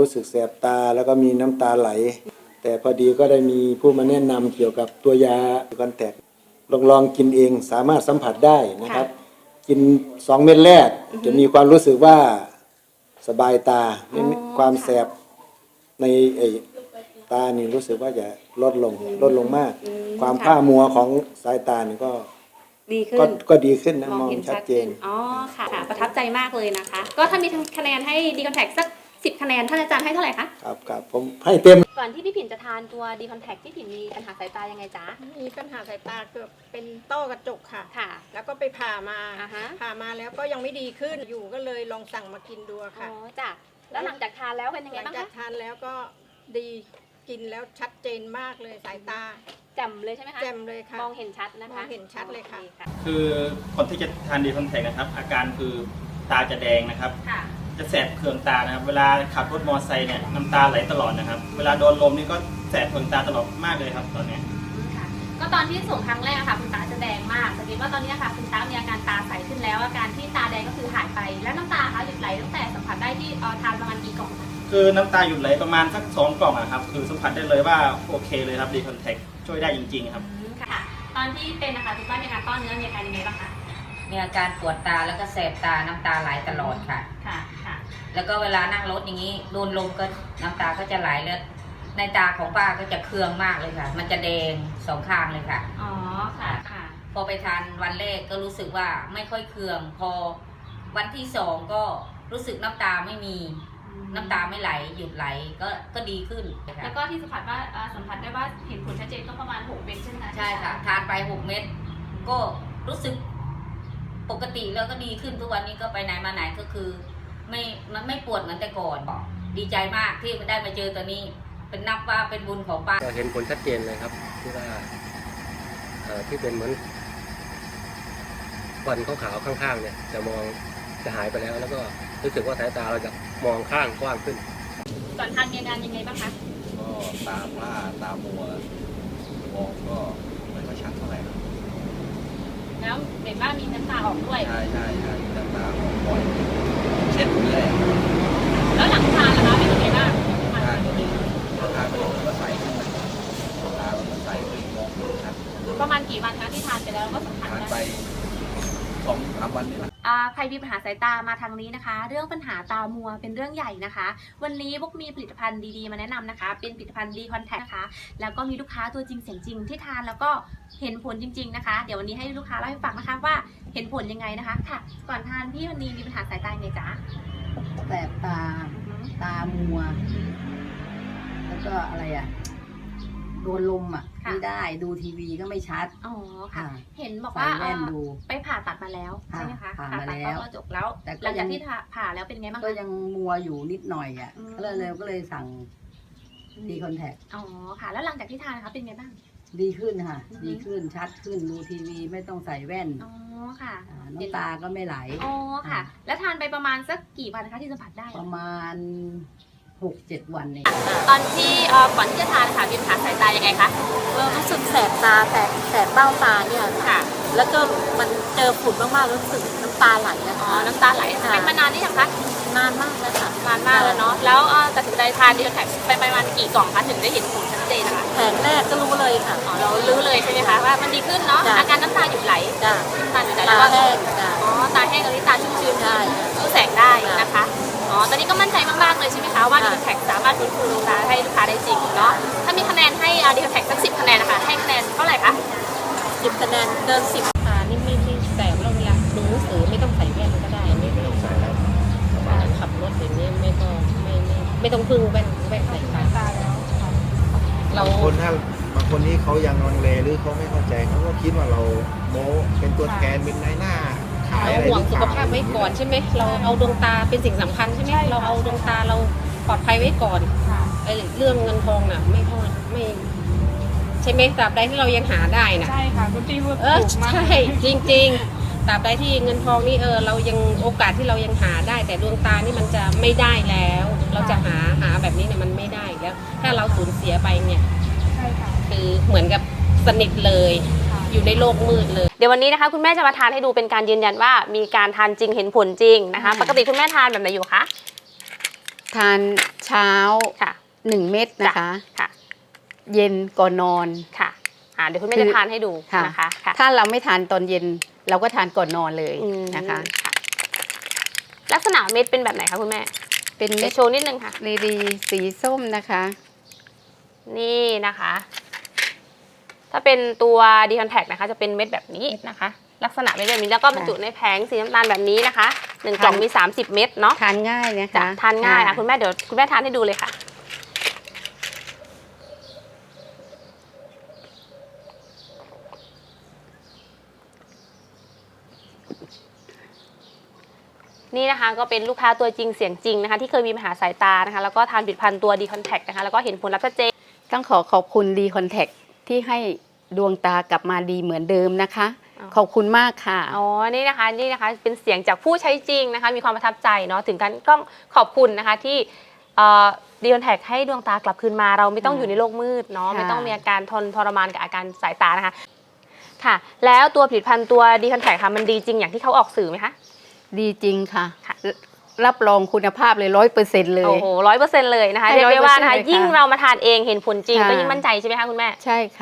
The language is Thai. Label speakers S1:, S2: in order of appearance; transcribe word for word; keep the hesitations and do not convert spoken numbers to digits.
S1: รู้สึกแสบตาแล้วก็มีน้ำตาไหลแต่พอดีก็ได้มีผู้มาแนะนำเกี่ยวกับตัวยาคอนแทคลองลองกินเองสามารถสัมผัสได้นะครับกินสองเม็ดแรกจะมีความรู้สึกว่าสบายตาไม่ความแสบในไอ้ตานี่รู้สึกว่าจะลดลงลดลงมากความผ้ามัวของสายตานี่ก็
S2: ดีขึ้น
S1: ก็ดีขึ้นนะมองชัดเจน
S2: อ๋อค่ะประทับใจมากเลยนะคะก็ถ้ามีคะแนนให้ดีคอนแทคสักสิบคะแนนท่านอาจารย์ให้เท่าไหร่คะ
S1: ครับครับผมให้เต็ม
S2: ก่อนที่พี่ผินจะทานตัวดีคอนแทคพี่ผินมีปัญหาสายตายังไงจ๊ะ
S3: มีปัญหาสายตาเกือบเป็นต้อกระจกค่ะค่ะแล้วก็ไปผ่ามาผ่ามาแล้วก็ยังไม่ดีขึ้นอยู่ก็เลยลองสั่งมากินดูค่ะ
S2: อ๋อจ้ะแล้วหลังจากทานแล้วเป็นยังไงบ้างคะ
S3: หลังจากทานแล้วก็ดีกินแล้วชัดเจนมากเลยสายตา
S2: แจ่มเลยใช่ไหมคะ
S3: แจ่มเลยค่ะ
S2: มองเห็นชัดนะคะ
S3: มองเห็นชัดเลยค่ะ
S4: คือคนที่จะทานดีคอนแทคนะครับอาการคือตาจะแดงนะครับจะแสบเคืองตานะครับเวลาขับรถมอเตอร์ไซค์เนี่ยน้ำตาไหลตลอดนะครับเวลาโดนลมนี่ก็แสบเคืองตาตลอดมากเลยครับตอนนี้
S2: ก็ตอนที่ส่งครั้งแรกค่ะคุณตาจะแดงมากสังเกตว่าตอนนี้ค่ะคุณตามีอาการตาใสขึ้นแล้วอาการที่ตาแดงก็คือหายไปแล้วน้ำตาคะหยุดไหลตั้งแต่สัมผัสได้ที่ทานประมาณกี่กล่อง
S4: คือน้ำตาหยุดไหลประมาณสักสองกล่องนะครับคือสัมผัสได้เลยว่าโอเคเลยครับดีคอนแทคช่วยได้จริงๆครับ
S2: ค่ะตอนที่เป็นนะคะคุณป้ามีอาการต้อเนื้อมีอาการยังไงบ้างคะ
S5: มีอาการปวดตาแล้วก็แสบตาน้ำตาไหลตลอดค่ะ
S2: ค่ะค่ะ
S5: แล้วก็เวลานั่งรถอย่างนี้โดนลมก็น้ำตาก็จะไหลแล้วในตาของป้าก็จะเคืองมากเลยค่ะมันจะแดงสองข้างเลยค่ะ
S2: อ๋อค่ะค่ะ
S5: พอไปทานวันแรกก็รู้สึกว่าไม่ค่อยเคืองพอวันที่สองก็รู้สึกน้ำตาไม่มีน้ำตาไม่ไหลหยุดไหลก็ก็ดีขึ้น
S2: แล้วก็ที่สัมผัสว่าสัมผัสได้ว่าเห็นผลชัดเจนก็ประมาณหกเม็ดใช่ไหมคะ
S5: ใช่ค่ะทานไปหกเม็ดก็รู้สึกปกติแล้วก็ดีขึ้นทุกวันนี้ก็ไปไหนมาไหนก็คือไม่มันไม่ปวดเหมือนแต่ก่อนดีใจมากที่ได้มาเจอตัวนี้เป็นนับว่าเป็นบุญของป้า
S6: ก็เห็นผลชัดเจนเลยครับที่ว่าที่เป็นเหมือนควันขาวๆข้างๆเนี่ยจะมองจะหายไปแล้วแล้วก็รู้สึกว่าสายตาเราจะมองข้างกว้างขึ้น
S2: ก่อนทานมีอาการยังไงบ้างคะ
S7: ก็ตาผ้าตามัวมองก็ไม่ค่อยชัดเท่าไหร่ครับ
S2: แล้วเห็นว่ามีน้ำตาออกด้วย
S7: ใช่ใช่ใช่น้ำตาออกบ่อยเช็ดเรื่อย
S2: แล้วหลังทานล่ะคะเป็นยังไงบ้าง
S7: ทานก็ดีทานไปก็ใสขึ้นตามันใสขึ้นมองชัด
S2: ประมาณกี่วันคะที่ทานไปแล้วก็สัมผัส
S7: ได้ไปสองสามวันนี่แหละ
S2: ใครมีปัญหาสายตามาทางนี้นะคะเรื่องปัญหาตามัวเป็นเรื่องใหญ่นะคะวันนี้พวกมีผลิตภัณฑ์ดีๆมาแนะนำนะคะเป็นผลิตภัณฑ์ดีคอนแทคนะคะแล้วก็มีลูกค้าตัวจริงเสียงจริงที่ทานแล้วก็เห็นผลจริงๆนะคะเดี๋ยววันนี้ให้ลูกค้าเล่าให้ฟังนะคะว่าเห็นผลยังไงนะคะค่ะก่อนทานพี่วันนี้มีปัญหาสายตาไงจ๊ะ
S8: แสบตาตามัวแล้วก็อะไรอ่ะโดนลมอ่ะไม่ได้ดูทีวีก็ไม่ชัด
S2: อ๋อค่ะเห็นบอกว่าไปผ่าตัดมาแล้วใช่ไหมคะ
S8: ผ่ามาแล้ว
S2: จบแล้วแต่หลังจากที่ผ่าแล้วเป็นไงบ้าง
S8: ก็ยังมัวอยู่นิดหน่อยอ่ะก็เลยก็เลยสั่งดีคอนแทค
S2: อ๋อค่ะแล้วหลังจากที่ทานนะคะเป็นไงบ้าง
S8: ดีขึ้นค่ะดีขึ้นชัดขึ้นดูทีวีไม่ต้องใส่แว่น
S2: อ๋อค่ะ
S8: น้ำตาก็ไม่ไหล
S2: อ๋อค่ะแล้วทานไปประมาณสักกี่วันคะที่สัมผัสได้
S8: ประมาณหกเจ็ดวันเอง
S2: ตอนที่ก่อนที่จะทานค่ะมีปัญหาสายตายังไงคะ
S9: รู้สึกแสบตาแสบแสบเบ้าตาเนี่ยค่ะแล้วก็มันเจอฝุ่นมากๆรู้สึกน้ำตาไหลนะคะ
S2: อ๋อน้ำตาไหลเป็นมานานนี่ยังคะ
S9: นานมากแล้วค่ะ
S2: นานมากแล้วเนาะแล้วตัดสินใจทานดีคอนแทคไปประมาณกี่กล่องคะถึงได้เห็นผลชัดเจนนะคะ
S9: แผงแรกก็รู้เลยค่ะ
S2: อ๋อเรารู้เลยใช่ไหมคะว่ามันดีขึ้นเนาะอาการน้ำตาหยุดไหล
S9: จ้ะ
S2: ตาหยุดไหลแล้วก็
S9: แห้ง
S2: อ๋อตาแห้งกับตาชุ่มชื้นได้รู้แสงได้นะคะอ๋อตอนนี้ก็มั่นใจมากๆเลยใช่ไหมคะว่าดีคอนแทคสามารถฟื้นฟูดวงตาให้ลูกค้าได้จริงเนาะถ้ามีคะแนนให้ดีคอนแทคสักสิบคะแนนนะคะให้คะแนนเท่าไหร่คะ
S9: สิบคะแนนเกินสิบค่ะนี่ไม่ที่แสบแล้วเวลาดูหนังสือไม่ต้องใส่แว่นก็ได้ไม่ต้องใส่แล้วขับรถอย่างนี้ไม่ต้องไม่ไม่ไม่ต้องพึ่งแว่นแว่นใส่ตาแล้ว
S1: เราคนถ้าบางคนที่เขายังลังเลหรือเขาไม่เข้าใจเขาก็คิดว่าเราโม้เป็นตัวแทนเป็นนายหน้า
S9: เราห่วงสุขภาพไว้ก่อนใช่ไหมเราเอาดวงตาเป็นสิ่งสำคัญใช่ไหมเราเอาดวงตาเราปลอดภัยไว้ก่อนไอ้เรื่องเงินทองน่ะไม่เท่าไม่ใช่ไหมตราบใดที่เรายังหาได้น่ะ
S3: ใช่ค่ะคุณพี่พูด
S9: เออใช่จริงๆตราบใดที่เงินทองนี่เออเรายังโอกาสที่เรายังหาได้แต่ดวงตานี่มันจะไม่ได้แล้วเราจะหาหาแบบนี้เนี่ยมันไม่ได้แล้วถ้าเราสูญเสียไปเนี่ยคือเหมือนกับสนิทเลยอยู่ในโลกมืดเลย
S2: เดี๋ยววันนี้นะคะคุณแม่จะมาทานให้ดูเป็นการยืนยันว่ามีการทานจริงเห็นผลจริงนะคะปกติคุณแม่ทานแบบไหนอยู่คะ
S8: ทานเช้า
S2: ค่ะ
S8: หนึ่งเม็ดนะคะ
S2: ค่ะ
S8: เย็นก่อนนอน
S2: ค่ะอ่าเดี๋ยวคุณแม่
S8: คือ
S2: จะทานให้ดู
S8: ค่ะ
S2: นะคะค่ะ
S8: ถ้าเราไม่ทานตอนเย็นเราก็ทานก่อนนอนเลย
S2: อืม
S8: นะคะ
S2: ลักษณะเม็ดเป็นแบบไหนคะคุณแม่
S8: เป็น
S2: เดี๋
S8: เม็
S2: ย
S8: ด
S2: วโชว์นิดนึงค่ะ
S8: รีดีสีส้มนะคะ
S2: นี่นะคะ ถ้าเป็นตัวดีคอนแทคนะคะ จะเป็นเม็ดแบบนี้นะคะ ลักษณะเม็ดแบบนี้แล้วก็บรรจุในแผงสีน้ำตาลแบบนี้นะคะหนึ่งกล่องมีสามสิบเม็ดเนาะ
S8: ทานง่ายนะ
S2: จะ
S8: คะ
S2: ทานง่ายอ่ะคุณแม่เดี๋ยวคุณแม่ทานให้ดูเลยค่ะ นี่นะคะก็เป็นลูกค้าตัวจริงเสียงจริงนะคะที่เคยมีปัญหาสายตานะคะแล้วก็ทานผลิตภัณฑ์ตัวดีคอนแทคนะคะแล้วก็เห็นผลลัพธ์ชัดเจน
S8: ต้องขอขอบคุณดีคอนแทคที่ให้ดวงตากลับมาดีเหมือนเดิมนะคะ
S2: อ๋อ
S8: ขอบคุณมากค่ะ
S2: อ๋อ นี่นะคะ นี่นะคะ เป็นเสียงจากผู้ใช้จริงนะคะ มีความประทับใจเนาะ ถึงกันต้องขอบคุณนะคะที่ดีคอนแทคให้ดวงตากลับคืนมา เราไม่ต้อง
S8: ค่ะ
S2: อยู่ในโลกมืดเนาะ
S8: ค่ะ
S2: ไม่ต้องมีอาการทนทรมานกับอาการสายตานะคะ ค่ะ แล้วตัวผลิตภัณฑ์ตัวดีคอนแทคค่ะ มันดีจริงอย่างที่เขาออกสื่อไหมคะ
S8: ดีจริงค่ะ
S2: ค่ะ
S8: รับรองคุณภาพเลยร้อยเปอร์เซ็นต์เลย
S2: โอ้โหร้อยเปอร์เซ็นต์เลยนะคะ
S8: ให้
S2: เรียกได้ว่านะคะ
S8: ร้อยเปอร์เซ็นต์เลยค่ะ
S2: ยิ่งเรามาทานเองเห็นผลจริง
S8: ค่ะ
S2: ก็ยิ่งมั่นใจใช่ไหมคะคุณแม่
S8: ใช่ค่ะ